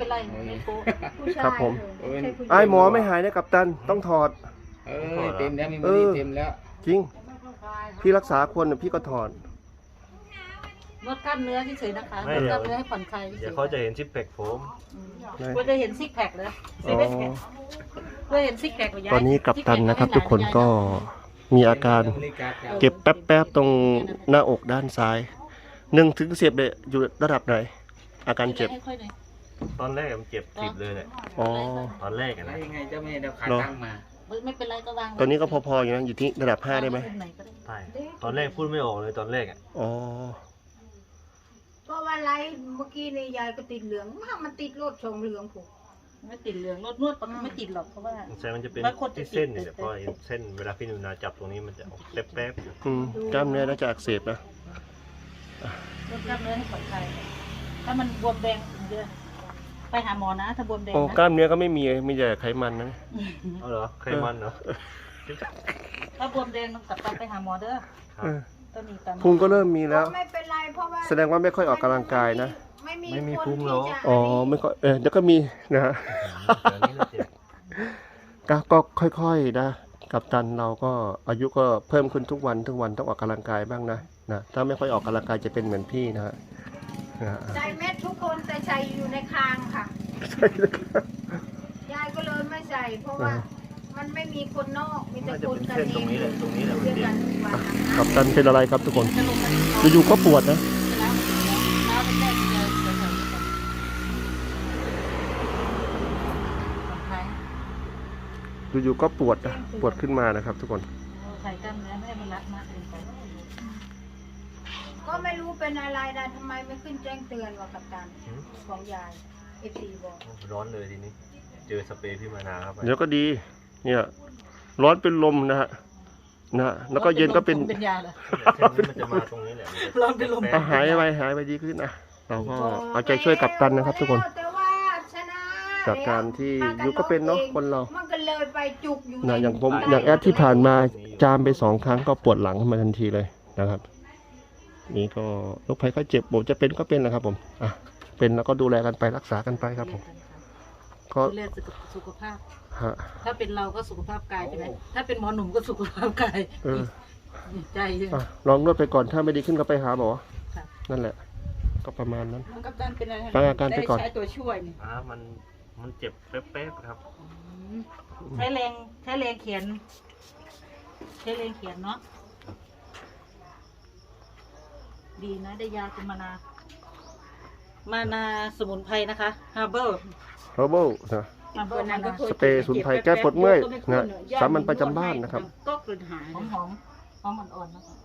เป็นไรไม่โป๊ะครับผมใช่ผู้ชายไอ้หมอไม่หายนะกัปตันต้องถอดเต็มแล้วมีมือเต็มแล้วจริงพี่รักษาคนพี่ก็ถอดนวดกล้ามเนื้อเฉยๆนะคะนวดกล้ามเนื้อให้ผ่อนคลายเดี๋ยวเขาจะเห็นซิปแพคผมเพื่อจะเห็นซิกแพคเลยอ๋อเพื่อเห็นซิกแพคของยายตอนนี้กัปตันนะครับ ทุกคนก็มีอาการเก็บแป๊บๆตรงหน้าอกด้านซ้าย1 ถึง 10เลยอยู่ระดับไหน อาการเจ็บให้ค่อยหน่อยตอนแรกมันเจ็บจิบเลยแหละอ๋อตอนแรกอะแล้นะวยังไงเจ้าแม่เดาขาตั้งมาไม่เป็นไรก็วางตอนนี้ก็พอๆอยู่นะอยู่ที่ระดับ5ได้ไหมไหนก็ได้ใช่ตอนแรกพูดไม่ออกเลยตอนแรกอ่ะอ๋อก็ว่าไรเมื่อกี้นี่ยายก็ติดเหลืองมันติดรถชงเหลืองผูกไม่ติดเหลืองนวดไม่ติดหรอกเพราะว่าสงสัยมันจะเป็นบางคนจะที่เส้นติดเนี่ยเพราะเห็นเส้นเวลาพี่หนูนาจับตรงนี้มันจะออกแป๊บๆอยู่กล้ามเนื้อน่าจะอักเสบนะนวดกล้ามเนื้อให้ผ่อนคลายถ้ามันบวมแดงเยอะไปหาหมอนะถ้าบวมแดงโอ้กนะล้ามเนื้อก็ไม่มีมีแต่ไขมันนะเอาเหรอไขมันเหรอถ้าบวมแดงต้องกลับไปหาหมอเด้อครับต้องมีตามพุงก็เริ่มมีแล้วไม่เป็นไรเพราะว่าแสดงว่าไม่ค่อยออกกำลังกายนะไม่มีพุงหรอกอ๋อไม่ค่อยเดี๋ยวก็มีนะฮะเดี๋ยวนี้เราเจ็บก็ค่อยๆนะกับตันเราก็อายุก็เพิ่มขึ้นทุกวันต้องออกกำลังกายบ้างนะถ้าไม่ค่อยออกกำลังกายจะเป็นเหมือนพี่นะฮะใจเม็ดทุกคนแต่ใส่อยู่ในคางค่ะใช่เลยครับยายก็เลยไม่ใส่ เพราะว่ามันไม่มีคนนอกมีแต่น่าจะคนเป็นกันเส้นเอตรงงนี้แหละตรงนี้แหละมันเรียกเจ็กับ นทุกวันกับตันเป็นอะไรครับทุกคนจะลงมาอยู่ๆก็ปวดนะแล้วเท้าเป็นแรกเจอแถวๆนี้ก่อนผ่อนคลายอยู่ๆก็ปวดนะปวดขึ้นมานะครับ ทุกคนใส่กล้ามเนื้อไม่ให้มันรัดมากเกินไปก็ไม่รู้เป็นอะไรนะทำไมไม่ขึ้นแจ้งเตือนว่ากับตันของยายเอฟซีบอกร้อนเลยทีนี้ เจอสเปรย์พี่มานาครับเดี๋ยวก็ดี เนี่ยร้อนเป็นลมนะฮะแล้วก็เย็นก็เป็นเป็นยาเหรอเส้นนี้มันจะมาตรงนี้แหละร้อนเป็นลมหายไปดีขึ้นนะเราก็เอาใจช่วยกับตันนะครับ ทุกคนแต่ว่าชนะจากการที่อยู่ก็เป็นเนาะคนเรามันก็เลยไปจุกอยู่อย่างผมอย่างแอดที่ผ่านมาจามไป2 ครั้งก็ปวดหลังขึ้นมาทันทีเลยนะครับ นี่ก็โรคภัยไข้เจ็บผมจะเป็นก็เป็นนะครับ ผมเป็นแล้วก็ดูแลกันไปรักษากันไปครับผมก็ดูแลสุขภาพฮะถ้าเป็นเราก็สุขภาพกายใช่ไหมถ้าเป็นหมอหนุ่มก็สุขภาพกายใจใช่ไหมลองนวดไปก่อนถ้าไม่ดีขึ้นก็ไปหาหมอค่ะนั่นแหละ ก็ประมาณนั้นมันกัปตันเป็นอะไรฟังอาการไปก่อนใช้ตัวช่วยนี่มันเจ็บแป๊บๆครับใช้แรงเขียนเนาะดีนะได้ยาคุณมานาสมุนไพรนะคะฮาร์เบอร์ h e r b a l นะฮาร์เบอร์มานาสเปรย์สมุนไพรแก้ปวดเมื่อยนะสามัญประจำบ้านนะครับก็กลืนหายหอมอ่อนๆนะคะ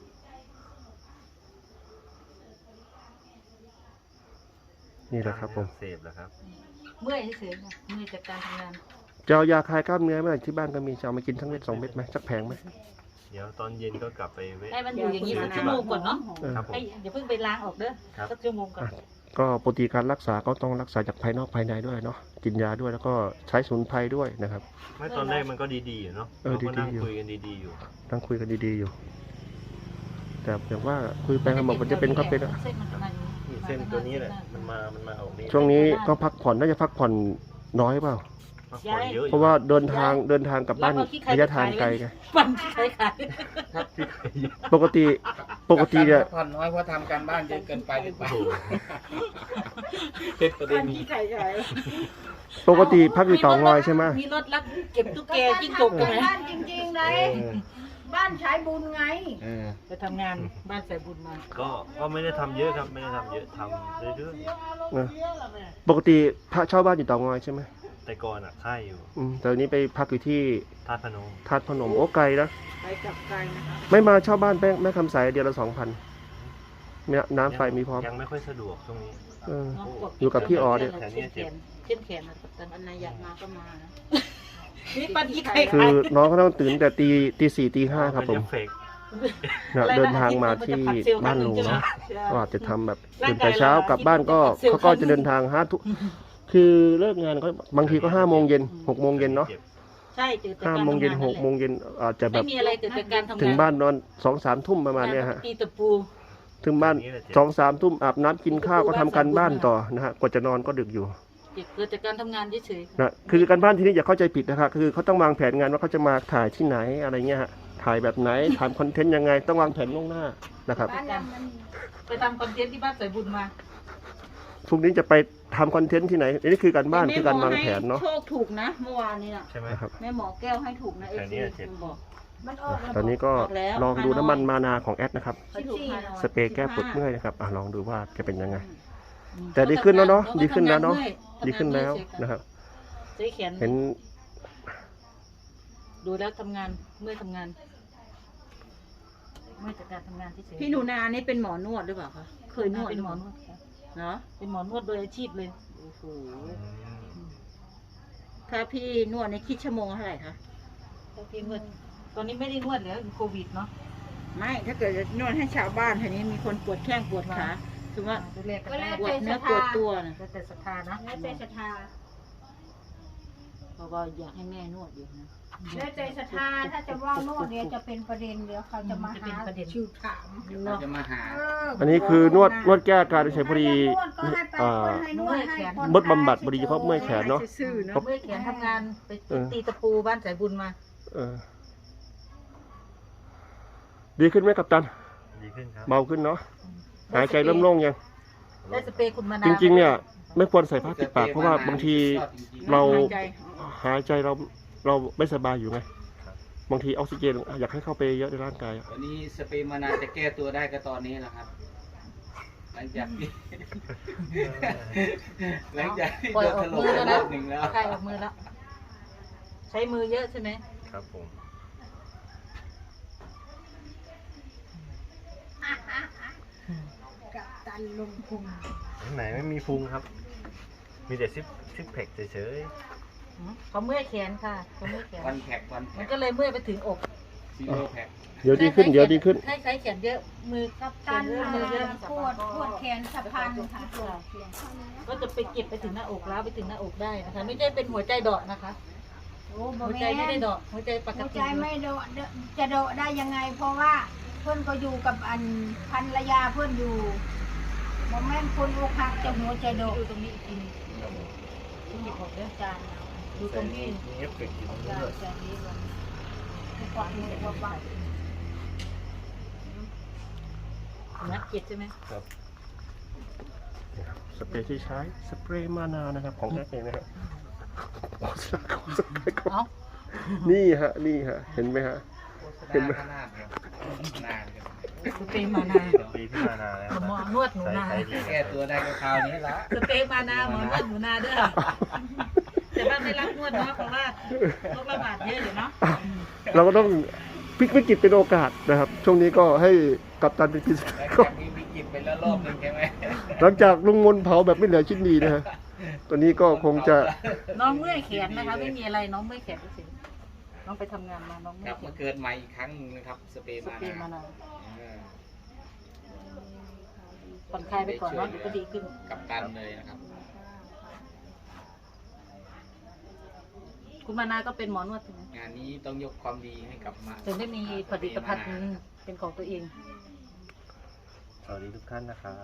นี่แหละครับผมเสพแล้วครับเมื่อยเฉยๆนะเมื่อยจากการทำงานจะเอายาคลายกล้ามเนื้อไหมที่บ้านก็มีจะเอามากินทั้งเม็ด2 เม็ดไหมสักแผงไหมเดี๋ยวตอนเย็นก็กลับไปเวะให้มันอยู่อย่างนี้สักชั่วโมงก่อนเนาะครับผมให้อย่าเพิ่งไปล้างออกเด้อครับสักชั่วโมงก่อนก็ปกติการรักษาก็ต้องรักษาจากภายนอกภายในด้วยเนาะกินยาด้วยแล้วก็ใช้สมุนไพรด้วยนะครับไม่ตอนแรกมันก็ดีๆอยู่เนาะเออเราก็นั่งดีๆอยู่คุยกันดีๆอยู่ต้องคุยกันดีๆอยู่ แต่อย่างว่าคุยไปเขาบอกว่าจะเป็นก็เป็นอะเส้นมันประมาณนี้นี่เส้นตัวนี้แหละมันมาออกนี่ช่วงนี้ก็พักผ่อนน่าจะพักผ่อนน้อยเปล่าพักผ่อนเยอะอยู่เพราะว่าเดินทางกลับบ้านระยะทางไกลไงปั่นที่ใครขายครับพี่เคยเยอะปกติเนี่ยผ่อนน้อยเพราะทำการบ้านเยอะเกินไปหรือเปโอ้ล่าโหเป็นประเด็ปั่นนนี้ที่ใครขายปกติพักอยู่เต่างอยใช่ไหมมีรถรับเก็บตุ๊กแกจิ้งจกกัใช่ไหมบ้านจริงๆเลยบ้านใช้บุญไงไปทำงานบ้านใส่บุญมาก็ไม่ได้ทำเยอะครับไม่ได้ทำเยอะทำเรื่อยปกติพระเช่าบ้านอยู่เต่างอยใช่ไหมๆแต่ก่อนอ่ะค่ายอยู่แต่วันนี้ไปพักอยู่ที่ธาตุพนมธาตุพนมโอ้ไกลนะไปกลับไกลนะคะไม่มาเช่าบ้านแม่คำใสเดือนละ2,000น้ำไฟมีพร้อมยังไม่ค่อยสะดวกช่วงนี้เออน้องกอยู่กับพี่อ๋อเนี่ยเช่นแขนเช่นแขนนะกัปตันอันไหนอยากมาก็มานะนี่ปั่นที่ใครคืขาอย น้องเขาต้องตื่นแต่ตี 4 ตี 5ครับผมนจะเฟกนะเดินทางมาที่บ้านลุงเนาะก็อาจจะทำแบบตื่นแต่เช้ากลับบ้านก็เขาก็จะเดินทางทุกคือเลิกงานก็บางทีก็5 โมงเย็น6 โมงเย็นเนาะใช่เจอแต่ 5 โมงเย็น6 โมงเย็นอาจจะแบไม่บมีอะไรเจอแต่การทำงานถึงบ้านนอน2-3 ทุ่มประมาณเนี้ยฮะตีตะปูถึงบ้าน2-3 ทุ่มอาบน้ำกินข้าวก็ทำการบ้านต่อนะฮะกว่าจะนอนก็ดึกอยู่เกิดจากการทำงานเฉยนะคือการบ้านที่นี่อย่าเข้าใจผิดนะครับคือเขาต้องวางแผนงานว่าเขาจะมาถ่ายที่ไหนอะไรเงี้ยฮะถ่ายแบบไหนทำคอนเทนต์ยังไงต้องวางแผนล่วงหน้านะครับบ้านเรามันๆไปทำคอนเทนต์ที่บ้านสายบุญมาพรุ่งนี้จะไปทำคอนเทนต์ที่ไหนอันนี้คือการบ้านคือการวางแผนเนาะโชคถูกนะเมื่อวานนี้น่ะใช่ไหมนะครับแม่หมอแก้วให้ถูกนะแถวนี้อะบอกมันออกแล้วตอนนี้ก็แล้วลองดูน้ำมันมานาของแอดนะครับให้ถูกฮานอยสเปรย์แก้ปวดเมื่อยนะครับลองดูว่าจะเป็นยังไง แต่ดีขึ้นแล้วเนาะดีขึ้นแล้วเนาะดีขึ้นแล้วนะครับใช้แขนเห็นดูแล้วทำงานเมื่อยทำงานเมื่อยจากการทำงานที่เฉยพี่หนูนานี่เป็นหมอนวดหรือเปล่าคะ เคยนวดเป็นหมอนวดค่ะเนาะเป็นหมอนวดโดยอาชีพเลยโอ้โหถ้าพี่นวดในคิดชั่วโมงเท่าไหร่คะแล้วพี่นวดตอนนี้ไม่ได้นวดแล้วโควิดเนาะไม่ถ้าเกิดจะนวดให้ชาวบ้านแถวนี้มีคนปวดแข้งปวดขาถือว่าดูแลกันก็ได้แล้วปวดแต่ศเนื้รัอทปวธาดตัวนะแล้วแต่ศรัทธานะแล้วแต่ศรัทธาเพราะว่าอยากให้แม่นวดอยู่นะแล้วแต่ศรัทธาถ้าจะว่านวดเดี๋ยวจะเป็นประเด็นเดี๋ยวเขาจะมาหาชิวถามเราจะมาหาอันนี้คือนวดแก้อาการเฉยๆพอดีนวดก็ให้ไปให้นวดให้ผ่อนมดบำบัดพอดีเฉพาะเมื่อยแขนเนาะซื่อๆเนาะเมื่อยแขนทำงานไปตีตะปูบ้านสายบุญมาเออดีขึ้นไหมกัปตันดีขึ้นครับเบาขึ้นเนาะหายใจเริ่มโล่งยังได้สเปรย์คุณมานาจริงๆเนี่ยไม่ควรใส่ผ้าปิดปากเพราะว่าบางทีเราหายใจหายใจเราไม่สบายอยู่ไงบางทีออกซิเจนอยากให้เข้าไปเยอะในร่างกายอะวันนี้สเปรย์มานาจะแก้ตัวได้ก็ตอนนี้แหละครับ หลังจากที่ หลังจากที่ปล่อยโดนออถกล่มมือไปแล้วรนะอบหนึ่งแล้วใครออกมือแล้ว ใช้มือเยอะใช่ไหมครับผมกับตันลงพุงไหนไม่มีพุงครับ มีแต่ซิกแพคเฉยเขาเมื่อยแขนค่ะเขาเมื่อยแขนวันแพ็กวันมัแพ็นกก็เลยเมื่อยไปถึงอกซีโร่แพ็กเดี๋ยวดีขึ้นเดี๋ยวดีขึ้นให้ใช้แขนเยอะมือครับตันเยอะมือเยอะปวดแขนสะพานค่ะก็จะไปเก็บไปถึงหน้าอกแล้วไปถึงหน้าอกได้นะคะ ไม่ใช่เป็นหัวใจเดาะนะคะโอ้บ่หัวแม่ใจไม่ได้นเดาะหัวใจปกหัวติใจไม่โดดจะโดดได้ยังไง เพราะว่าเพื่อนก็อยู่กับอันภรรยาเพื่อนอยู่บ่แม่นคนอกหักจะหัวใจโดดดูตรงนี้อีกทีนึงที่หยิบออกเด้อจานดูตรงที่ๆมีเอฟเฟกต์อยู่ตรงนี้จานด้วยจานนี้ลงความรู้สึกว่าบ้านักเก็ตใช่ไหมครับสเปรย์ที่ใช้สเปรย์มานานะครับของแอดเองนะครับเอ้านี่ฮะเห็นไหมฮะเห็นไหมขนาดครับนานครับสเปรย์มานาปีที่มานาแล้วหมอนวดหนูนาใช้ดีแก้ตัวได้ก็คราวนี้ละสเปรย์มานาหมอนวดหนูนาเด้อแต่ว่าไม่รับนวดเนาะเพราะว่าโรคระบาดเยอะอยู่เนาะเราก็ต้องพลิกวิกฤตเป็นโอกาสนะครับ ช่วงนี้ก็ให้กัปตันเป็นพิเศษหลังก็จากมีวิกฤตไปแล้วรอบหนึงใช่ไหมหลังจากลุงมนเผาแบบไม่เหลือชิ้นดีนะฮะตัวนี้ก็คงจะน้องเมื่อยแขนนะคะ ไม่มีอะไรน้องเมื่อยแขนเฉยๆน้องไปทำงานมาน้องเมื่กอลัยบแขมาน เกิดใหม่อีกครั้งหนึงนะครับสเปรย์สมาเปรย์มานานาเออผ่อนคลายไปก่อนเนาะเดี๋ยวก็ดีขึ้นกับตันเลยนะครับคุณมานาก็เป็นหมอนวดใช่ไหมงานนี้ต้องยกความดีให้กับมาถึงได้มีผลิตภัณฑ์เป็นของตัวเองสวัสดีทุกท่านนะครับ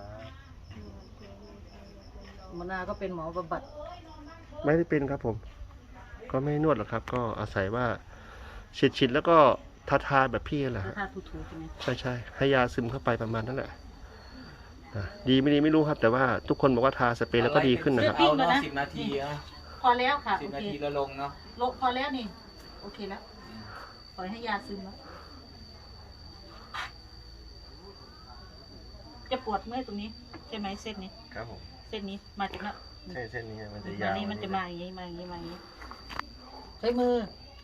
มานาก็เป็นหมอบำบัดไม่ได้เป็นครับผม ก็ไม่นวดหรอกครับ ก็อาศัยว่าฉีดแล้วก็ทาแบบพี่แหละฮะถ้าถูๆใช่ไหมใช่ให้ยาซึมเข้าไปประมาณนั้นแหละดีไม่ดีไม่รู้ครับ แต่ว่าทุกคนบอกว่าทาสเปรย์แล้วก็ดีขึ้นนะครับเอาเนาะ10 นาทีอะพอแล้วค่ะสิโอบนาเคทีแล้วลงเนาะพอแล้วนี่โอเคแล้วปล่อยให้ยาซึมแล้วจะปวดเมื่อยตรงนี้ใช่ไหมเส้นนี้ครับผมเส้นนี้มาจากนั้นใช่เส้นนี้มันจะมายาวนี่มันจะมาอย่างนี้มาอย่างนี้มาอย่างนี้ใช้มือ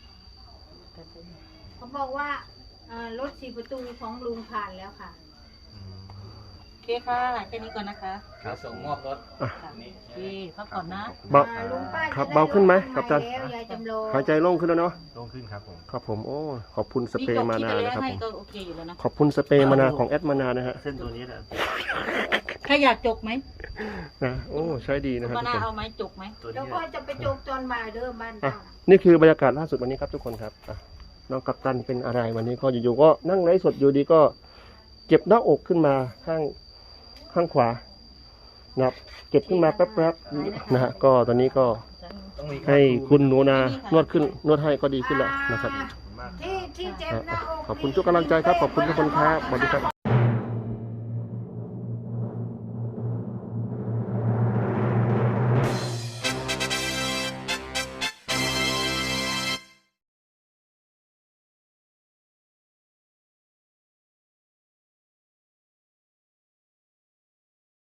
เขาบอกว่ารถ4 ประตูของลุงผ่านแล้วค่ะอืมโอเคค่ะแค่นี้ก่อนนะคะเดี๋ยวส่งมอบรถค่ะนี่โอเคพักผ่อนนะเบาลุงป้าครับจะด้เบาขึ้นไหมถครับอาจารย์ใหม่แล้วยายจำลองหายใจโล่งขึ้นแล้วเนาะลงขึ้นครับผมครับผมโอ้ขอบคุณสนี่เปรจย์บมาที่นาจะเลี้ยนะครับให้ผมก็โอเคอยู่แล้วนะขอบคุณสเปรย์มานาของแอดมานานะฮะเส้นตัวนี้แหละใครอยากจกไหมนะโอ้ใช้ดีนะคคุรับณมาทุกคนนาเอาไหมจกไหมตัวแล้วนี้ก็จะไปจกตอนบ่ายเด้อบ้านอ่ะเจ้านี่คือบรรยากาศล่าสุดวันนี้ครับทุกคนครับน้องกัปตันเป็นอะไรวันนี้ก็อยู่ๆก็นั่งไลฟ์สดอยู่ดีก็เจ็บหน้าอกขึ้นมาข้างขวานะครับเก็บขึ้นมาแป๊บๆนะฮะก็ตอนนี้ก็ต้องมีให้คุณหนูนานวดให้ก็ดีขึ้นแล้วนะครับที่เจ็บหน้าอกขอบคุณทุกกำลังใจครับขอบคุณทุกคนครับสวัสดีครับ